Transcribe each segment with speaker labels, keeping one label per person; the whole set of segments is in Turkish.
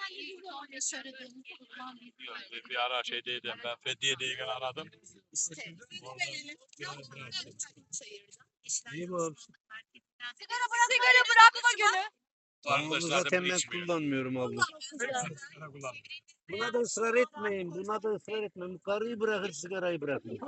Speaker 1: Bir ara şeydeydim ben Fethiye'deyken aradım.
Speaker 2: İyi bu.
Speaker 3: Sigara bırakma günü.
Speaker 2: Onu zaten ben kullanmıyorum abla. Buna da ısrar etmeyin. Buna da ısrar etmeyin. Bu karıyı bırakır, sigarayı bırakır.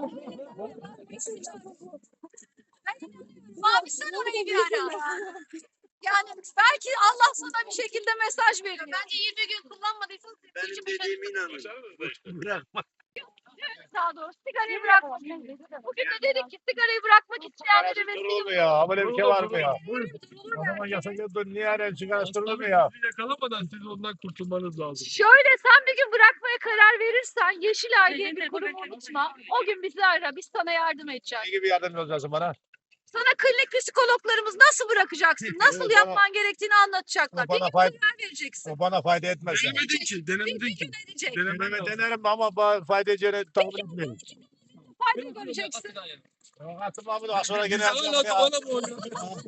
Speaker 3: Abi sen orayı bir ara. Yani belki Allah sana bir şekilde mesaj veriyor. Bence 20 gün kullanmadıysanız
Speaker 2: Benim dediğime inanın. Bırakma.
Speaker 3: daha doğrusu sigarayı bırakmak. Bugün de dedik ki sigarayı bırakmak isteyenlere
Speaker 1: Durur mu
Speaker 3: vesile
Speaker 1: ya? Böyle bir şey var mı ya?
Speaker 3: olur
Speaker 1: O zaman
Speaker 3: belki.
Speaker 1: yasak niye aren sigara durur mu ya?
Speaker 4: Yakalamadan siz ondan kurtulmanız lazım.
Speaker 3: Şöyle sen bir gün bırakmaya karar verirsen Yeşilay diye bir kurumu unutma. O gün bizi ara. Biz sana yardım edeceğiz.
Speaker 1: Ne gibi yardımcı olacaksın bana?
Speaker 3: Sana klinik psikologlarımız nasıl bırakacaksın, nasıl
Speaker 1: Evet,
Speaker 3: yapman gerektiğini anlatacaklar. Bir
Speaker 1: bana
Speaker 3: gün
Speaker 1: fayda-
Speaker 3: karar vereceksin.
Speaker 1: O bana fayda etmez. Yani.
Speaker 4: Denemedin ki, denemedin ki.
Speaker 3: Edecek.
Speaker 1: Deneme denerim ama fayda edeceğini tahmin etmiyorum.
Speaker 3: Fayda göreceksin.
Speaker 1: Atım abi daha sonra gene
Speaker 4: Güzel
Speaker 1: yapacağım
Speaker 4: anlattı
Speaker 1: ya.
Speaker 4: bana bu oyunu.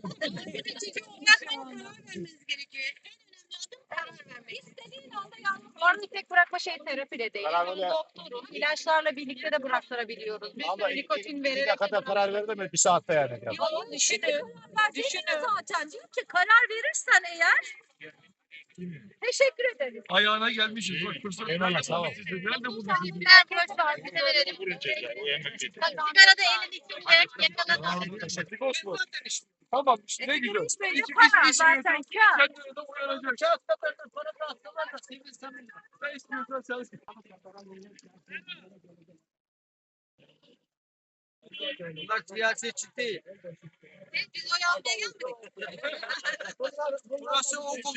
Speaker 3: İstediğin anda yalnız. Orada tek bırakma şey terapi de değil.
Speaker 1: Karar
Speaker 3: Bunun
Speaker 1: ver.
Speaker 3: doktoru, ilaçlarla birlikte de bıraktırabiliyoruz. Bir
Speaker 1: Ama
Speaker 3: sürü nikotin
Speaker 1: bir
Speaker 3: vererek.
Speaker 1: dakikada karar verdim mi? Bir saatte yani.
Speaker 3: Yok, düşünün. Zaten diyor ki karar verirsen eğer teşekkür ederim.
Speaker 4: Ayağına gelmişiz. Bak fırsat.
Speaker 1: Eyvallah, sağ ol.
Speaker 4: Nerede buldun?
Speaker 3: Sigarada elini içecek, yakaladı.
Speaker 4: Teşekkür olsun. Tamam işte ne güzel.
Speaker 3: Hiç belli
Speaker 4: İçip
Speaker 3: para
Speaker 4: içip
Speaker 3: zaten
Speaker 4: içmiyorsan
Speaker 3: kâr.
Speaker 4: kendine de uyanacak. Kağıtta da para da atsalar da sevinsen. Ne istiyorsan sen.
Speaker 5: Bunlar siyasetçi değil.
Speaker 3: Biz oy almaya gelmedik.
Speaker 5: Burası okul.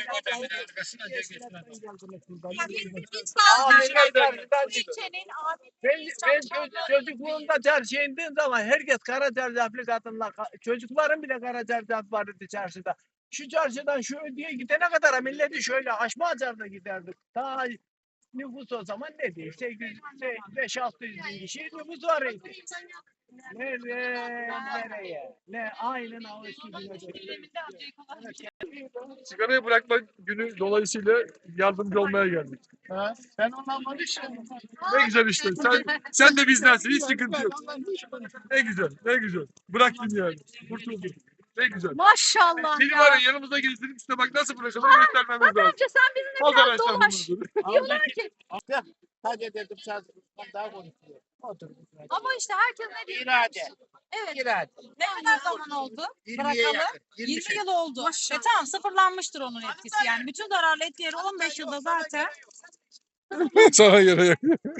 Speaker 3: İlçenin
Speaker 5: Çocukluğumda çarşıya indiğim zaman herkes kara çarşaflı kadınlar, çocukların bile kara çarşaf vardı çarşıda. Şu çarşıdan şu ödeye gidene kadar milleti şöyle aşma açarda giderdik. Ta nüfus o zaman ne diye 5-600 bin kişi nüfus var idi. Nereye? Ne aynen o eski güne
Speaker 4: Sigarayı bırakma günü dolayısıyla yardımcı olmaya geldik.
Speaker 1: Ha? Ben ondan konuşuyorum.
Speaker 4: Ne güzel işte. Sen de bizdensin. Hiç sıkıntı yok. Ne güzel. Ne güzel. Bıraktın yani. Kurtuldun. Ne güzel.
Speaker 3: Maşallah
Speaker 4: Seni
Speaker 3: ya.
Speaker 4: var ya yanımıza gezdirip işte bak nasıl bırakalım göstermemiz lazım.
Speaker 3: Bence sen bizimle
Speaker 4: O
Speaker 3: biraz
Speaker 4: zaman sen
Speaker 3: dolaş.
Speaker 4: bunu.
Speaker 3: Diyorlar ki
Speaker 1: Hadi dedim sen daha konuşuyor. Otur.
Speaker 3: ama işte herkes ne diyor?
Speaker 1: İrade.
Speaker 3: Evet.
Speaker 1: İrade.
Speaker 6: Ne kadar zaman oldu?
Speaker 1: 20'ye
Speaker 6: Bırakalı.
Speaker 1: yakın.
Speaker 6: 20 yıl oldu. Tamam sıfırlanmıştır onun etkisi yani. Bütün zararlı etkileri 15 yılda zaten.
Speaker 4: Sana göre.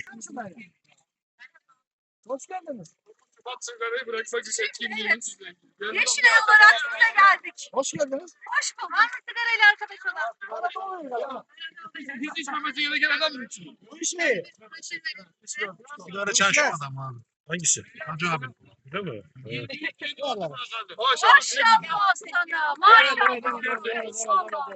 Speaker 4: Hoş geldiniz. Bak sigarayı bırakmak için etkinliğimiz.
Speaker 3: Yeşilay olarak size geldik.
Speaker 4: Hoş geldiniz.
Speaker 3: Hoş bulduk. Hangi sigarayla arkadaş olan?
Speaker 4: Hiç içmemesi gereken adam mı içiyor?
Speaker 1: Bu iş ne? Sigara çalışıyor adam abi. Hangisi? Hacı abi. Değil mi? Evet.
Speaker 4: Maşallah.
Speaker 3: Maşallah sana. Maşallah.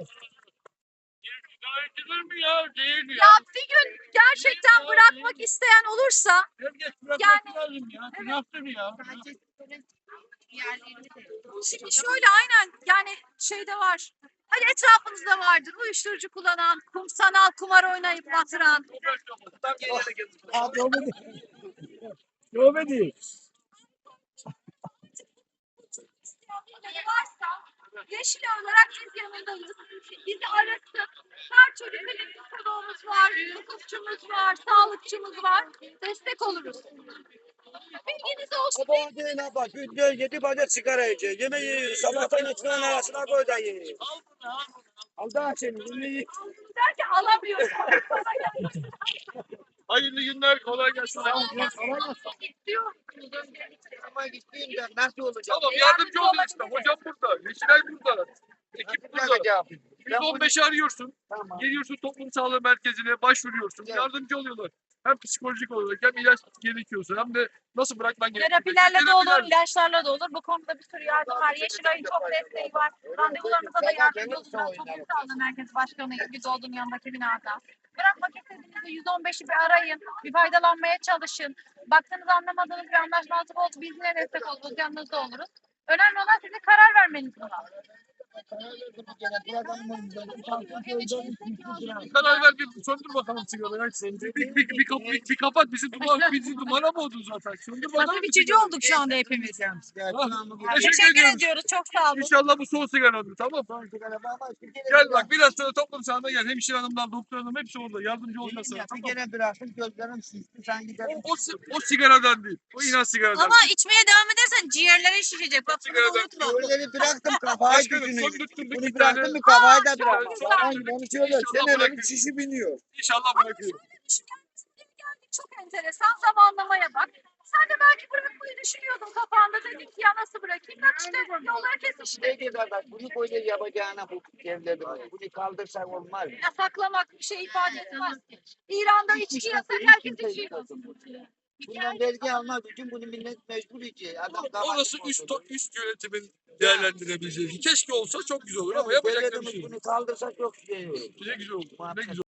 Speaker 4: Içilir mi ya? Değil ya.
Speaker 3: Ya bir gün gerçekten bırakmak isteyen olursa
Speaker 4: Herkes bırakmak lazım ya. Günahtır ya.
Speaker 3: şimdi şöyle aynen yani şeyde var. Hani etrafınızda vardır uyuşturucu kullanan, sanal kumar oynayıp batıran.
Speaker 4: Yok be değil.
Speaker 3: birileri varsa Yeşil olarak biz yanındayız. Bizi arasın. Her türlü klinik psikoloğumuz var, hukukçumuz var, sağlıkçımız var. Destek oluruz. Bilginiz olsun.
Speaker 2: Sabah değil abla. Günde 7 paket sigara yiyecek. Yemeği sabahtan ekmeğin arasına koy da ye. Al da seni. Yemeği.
Speaker 3: Der ki alamıyorum.
Speaker 4: Hayırlı günler. Kolay gelsin.
Speaker 3: İstiyor.
Speaker 2: Ama gittiğimde nasıl olacak?
Speaker 4: Tamam yardımcı olun işte. Hocam burada. Yeşilay burada. Ekip burada. 115'i arıyorsun.
Speaker 2: Tamam.
Speaker 4: Geliyorsun toplum sağlığı merkezine başvuruyorsun.
Speaker 2: Evet.
Speaker 4: Yardımcı oluyorlar. Hem psikolojik olarak hem ilaç gerekiyorsa hem de nasıl bırakman gerekiyor.
Speaker 6: Terapilerle de olur, ilaçlarla da olur. Bu konuda bir sürü yardım var. Yeşilay'ın çok desteği var. Randevularınıza da yardımcı olun. Ben Toplum Sağlığı Merkezi Başkanıyım. Biz olduğum yanındaki binada. Bırakmak istediğinizde 115'i bir arayın. Bir faydalanmaya çalışın. Baktığınız anlamadığınız bir anlaşmazlık oldu. Biz yine destek oluruz. Yanınızda oluruz. Önemli olan sizin karar vermeniz buna.
Speaker 4: Karar ver bir söndür bakalım sigarayı. Bir kapat bizi dumana boğdun zaten. Söndür bakalım.
Speaker 6: Nasıl bir
Speaker 4: bir
Speaker 6: çocuğu
Speaker 4: sigarayı.
Speaker 6: olduk şu anda hepimiz.
Speaker 4: Teşekkür
Speaker 6: Teşekkür
Speaker 4: ediyoruz.
Speaker 6: ediyoruz. Çok sağ olun.
Speaker 4: İnşallah bu son sigaradır, tamam mı? Gel bak biraz sonra toplum sahada gel. Hemşire hanımlar, doktor hanım hepsi orada. Yardımcı olacak sana, tamam mı?
Speaker 2: Gene bıraktım gözlerim şişti sen gidelim.
Speaker 4: O sigaradan değil. O inan sigaradan.
Speaker 6: Ama içmeye devam edersen ciğerlerin şişecek. Bak bunu da unutma.
Speaker 2: Gözleri bıraktım kafayı
Speaker 4: Başkanım
Speaker 2: düşünüyorum.
Speaker 4: söndürttürdük
Speaker 2: Bunu
Speaker 4: bir tane.
Speaker 2: bıraktım mı kafayı da
Speaker 6: çok
Speaker 2: bıraktım.
Speaker 6: güzel.
Speaker 2: Falan gibi onu söyle.
Speaker 4: İnşallah
Speaker 2: Senelerin
Speaker 4: bırakırım.
Speaker 2: şişi biniyor.
Speaker 4: İnşallah bırakıyorum.
Speaker 3: Çok enteresan zamanlamaya bak. Sen de belki bırakmayı düşünüyordun kafanda. Dedin ki ya nasıl bırakayım? Bak işte yollar kesişti.
Speaker 2: Ne diyorlar bak bunu böyle yapacağına bu devletin. Bunu kaldırsak olmaz.
Speaker 3: Yasaklamak bir şey ifade etmez. İran'da içki yasak, herkes içiyor.
Speaker 2: Bundan vergi almak için bunu millet mecbur içiyor. Adam
Speaker 4: Orası üst yönetimin değerlendirebileceği. Keşke olsa çok güzel olur ama yapacak bir
Speaker 2: Devletimiz
Speaker 4: şey yok.
Speaker 2: bunu kaldırsak çok şey olur.
Speaker 4: Ne güzel olur. Ne güzel.